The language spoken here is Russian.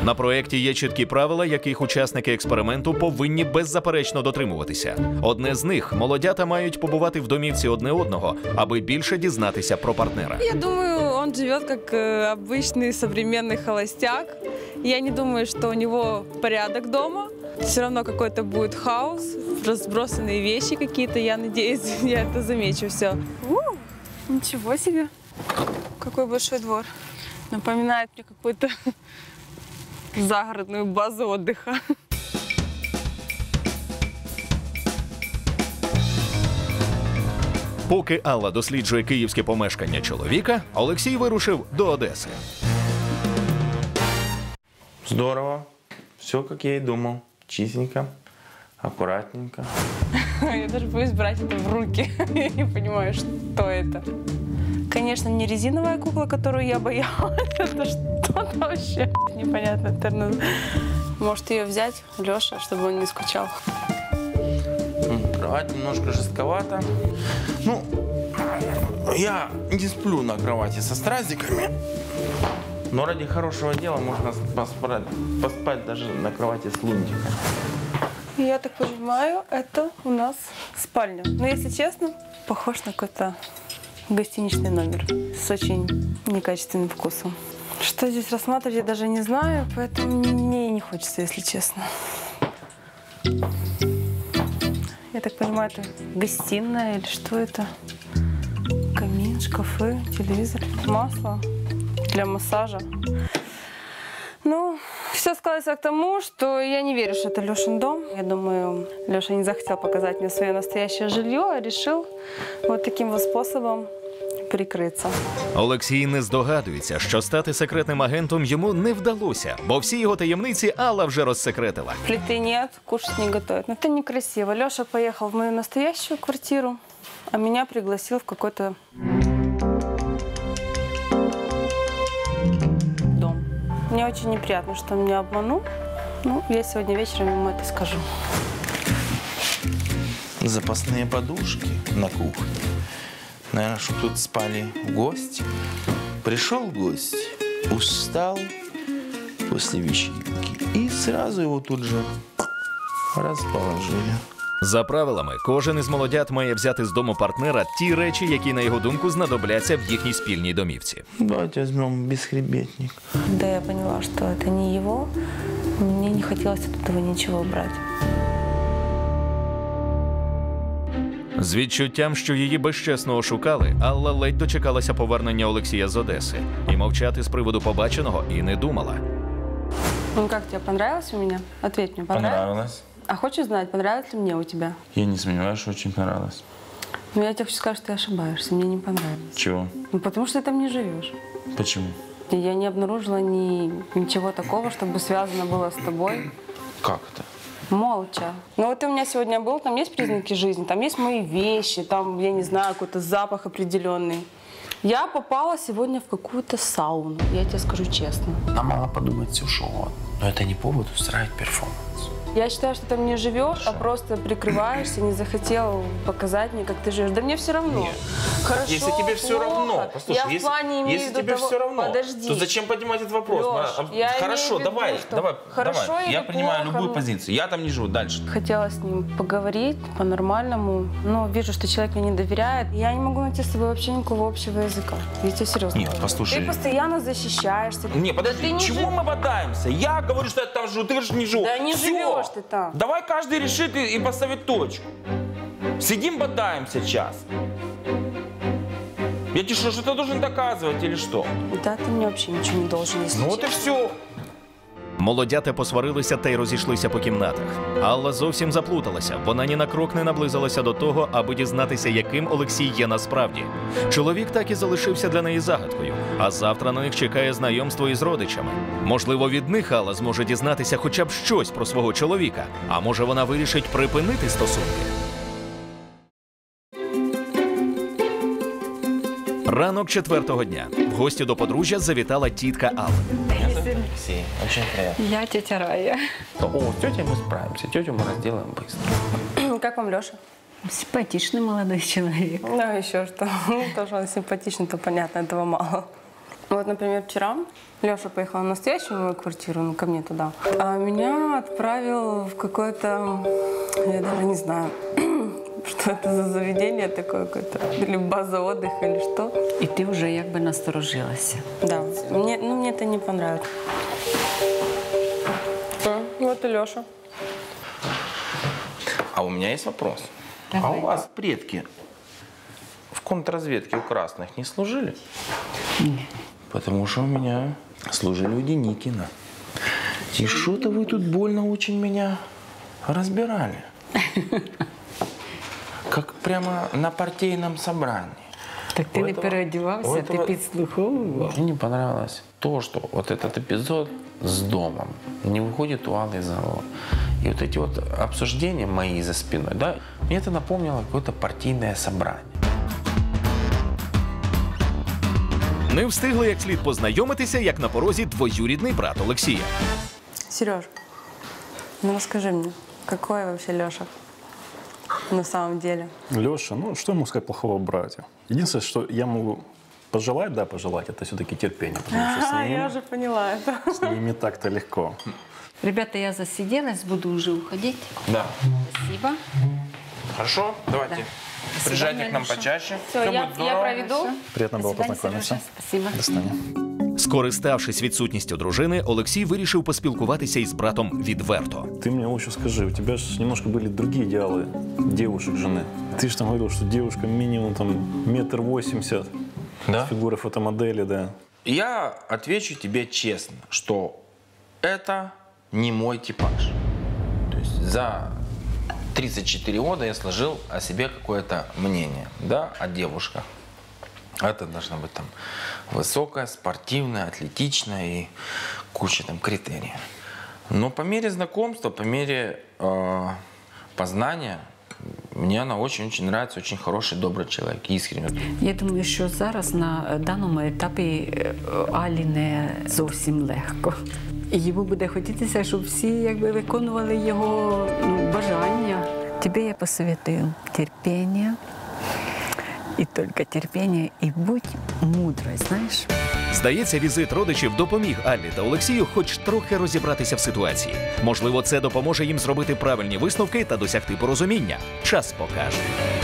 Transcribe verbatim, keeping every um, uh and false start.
На проєкті є чіткі правила, яких учасники експерименту повинні беззаперечно дотримуватися. Одне з них – молодята мають побувати в домівці одне одного, аби більше дізнатися про партнера. Я думаю, он живет как обычный современный холостяк. Я не думаю, что у него порядок дома. Все равно какой-то будет хаос, разбросанные вещи какие-то. Я надеюсь, я это замечу все. У, ничего себе! Какой большой двор. Напоминает мне какую-то загородную базу отдыха. Поки Алла досліджує київське помешкання чоловіка, Олексій вирушив до Одеси. Здорово. Все, как я и думал. Чистенько, аккуратненько. Я даже боюсь брать это в руки. Я не понимаю, что это. Конечно, не резиновая кукла, которую я боялась. Это что-то вообще непонятно. Может, ее взять, Леша, чтобы он не скучал. Кровать немножко жестковата. Ну, я не сплю на кровати со стразиками. Но ради хорошего дела можно поспать, поспать даже на кровати с лунтиком. Я так понимаю, это у нас спальня. Но, если честно, похож на какой-то гостиничный номер с очень некачественным вкусом. Что здесь рассматривать, я даже не знаю, поэтому мне не хочется, если честно. Я так понимаю, это гостиная или что это? Камин, шкафы, телевизор, масло для массажа. Ну, все складывается к тому, что я не верю, что это Лешин дом. Я думаю, Леша не захотел показать мне свое настоящее жилье, а решил вот таким вот способом прикритися. Олексій не здогадується, що стати секретним агентом йому не вдалося, бо всі його таємниці Алла вже розсекретила. Плиты нет, кушать не готовят. Но это некрасиво. Леша поехал в мою настоящую квартиру, а меня пригласил в какой-то дом. Мне очень неприятно, что он меня обманул. Ну, я сегодня вечером ему это скажу. Запасные подушки на кухне. Наверное, чтобы тут спали гости. Пришел гость, устал после вечеринки. И сразу его тут же расположили. За правилами, кожен із молодят має взяти з дому партнера ті речі, які, на його думку, знадобляться в їхній спільній домівці. Давайте возьмем бесхребетник. Когда я поняла, что это не его, мне не хотелось от этого ничего брать. З відчуттям, що її безчесно ошукали, Алла ледь дочекалася повернення Олексія з Одеси. І мовчати з приводу побаченого і не думала. Ну как, тебе понравилось у меня? Ответь мне, понравилось? Понравилось. А хочешь знать, понравилось ли мне у тебя? Я не сомневаюсь, что очень понравилось. Ну я тебе хочу сказать, что ты ошибаешься, мне не понравилось. Чего? Ну потому что ты там не живешь. Почему? Я не обнаружила ни, ничего такого, чтобы связано было с тобой. Как это? Молча. Ну вот ты у меня сегодня был, там есть признаки жизни, там есть мои вещи, там, я не знаю, какой-то запах определенный. Я попала сегодня в какую-то сауну, я тебе скажу честно. Нам мало подумать все, что угодно. Но это не повод устраивать перформанс. Я считаю, что ты там не живешь, а просто прикрываешься, не захотел показать мне, как ты живешь. Да мне все равно. Нет. Хорошо, Если тебе все плохо. равно, послушай, я в если, плане имею если в виду тебе того... все равно, Подожди. то зачем поднимать этот вопрос? Леш, Мы, я хорошо, имею в виду, давай, что давай, хорошо давай. или Я принимаю плохо? любую позицию. Я там не живу. Дальше. Хотела с ним поговорить по-нормальному, но вижу, что человек мне не доверяет. Я не могу найти с тобой вообще никакого общего языка. Я тебе серьезно Нет, говорю. послушай. Ты постоянно защищаешься. Не, подожди, Да ты не чего жив- мы бодаемся? Я говорю, что я там живу, ты говоришь, не живу. Да не Всё. живешь ты там. Давай каждый решит и, и поставит точку. Сидим, бодаемся час. Я тебе что, что-то должен доказывать или что? Да, ты мне вообще ничего не должен, если Ну вот и честно. все. Молодята посварилися та й розійшлися по кімнатах. Алла зовсім заплуталася. Вона ні на крок не наблизилася до того, аби дізнатися, яким Олексій є насправді. Чоловік так і залишився для неї загадкою. А завтра на них чекає знайомство із родичами. Можливо, від них Алла зможе дізнатися хоча б щось про свого чоловіка. А може, вона вирішить припинити стосунки? Ранок четвертого дня. В гості до подружжя завітала тітка Алли. Алексей, очень приятно. Я тетя Рая. О, с тетей мы справимся. Тетю мы разделаем быстро. Как вам, Леша? Симпатичный молодой человек. Ну, еще что. Тоже он симпатичный, то понятно, этого мало. Вот, например, вчера Леша поехал на настоящую мою квартиру, ну, ко мне туда, а меня отправил в какое-то, я даже не знаю, что это за заведение такое какое-то, или база отдыха, или что. І ти вже якби насторожилася. Да, мне, ну, мне это не понравилось. А, вот и Леша. А у меня есть вопрос. Давай. А у вас предки в контрразведке у красных не служили? Ні. Потому что у меня служили у Деникина. И что-то вы тут больно очень меня разбирали. Как прямо на партийном собрании. Так ти У не этого- переодівався, у ти этого- підслуховував. Мне не понравилось то, что вот этот эпизод с домом не выходит у Аллы из зала. И вот эти вот обсуждения мои за спиной, да, мне это напомнило какое-то партийное собрание. Не встигли як слід познайомитися, як на порозі двоюрідний брат Олексія. Сереж, ну расскажи мне, какой вообще Леша на самом деле? Леша, ну что я могу сказать плохого о брате? Единственное, что я могу пожелать, да, пожелать, это все-таки терпение. Потому что с А, ним, я уже поняла это. с ним не так-то легко. Ребята, я засиделась, буду уже уходить. Да. Спасибо. Хорошо, давайте. До Приезжайте свидания, к нам Леша. почаще. Все, Всё я, будет я здорово. проведу. Приятно До было свидания, познакомиться. Сережа. Спасибо. До свидания. Скориставшись відсутністю дружини, Олексій вирішив поспілкуватися із братом відверто. Ты мне лучше скажи, у тебя же немножко были другие идеалы девушек, жены. Ты же там говорил, что девушка минимум там метр восемьдесят, Да? фигура фотомодели, да. Я отвечу тебе честно, что это не мой типаж. То есть за тридцать четыре года я сложил о себе какое-то мнение, да, о девушках. Это должна быть там высокая, спортивная, атлетичная и куча там критериев. Но по мере знакомства, по мере э, познания, мне она очень-очень нравится, очень хороший, добрый человек, искренний. Я думаю, що зараз на даному етапі е, Алі не зовсім легко. І йому буде хотітися, щоб всі якби виконували його ну, бажання. Тобі я посоветую терпіння, і тільки терпіння, і будь мудрою, знаєш. Здається, візит родичів допоміг Аллі та Олексію хоч трохи розібратися в ситуації. Можливо, це допоможе їм зробити правильні висновки та досягти порозуміння. Час покаже.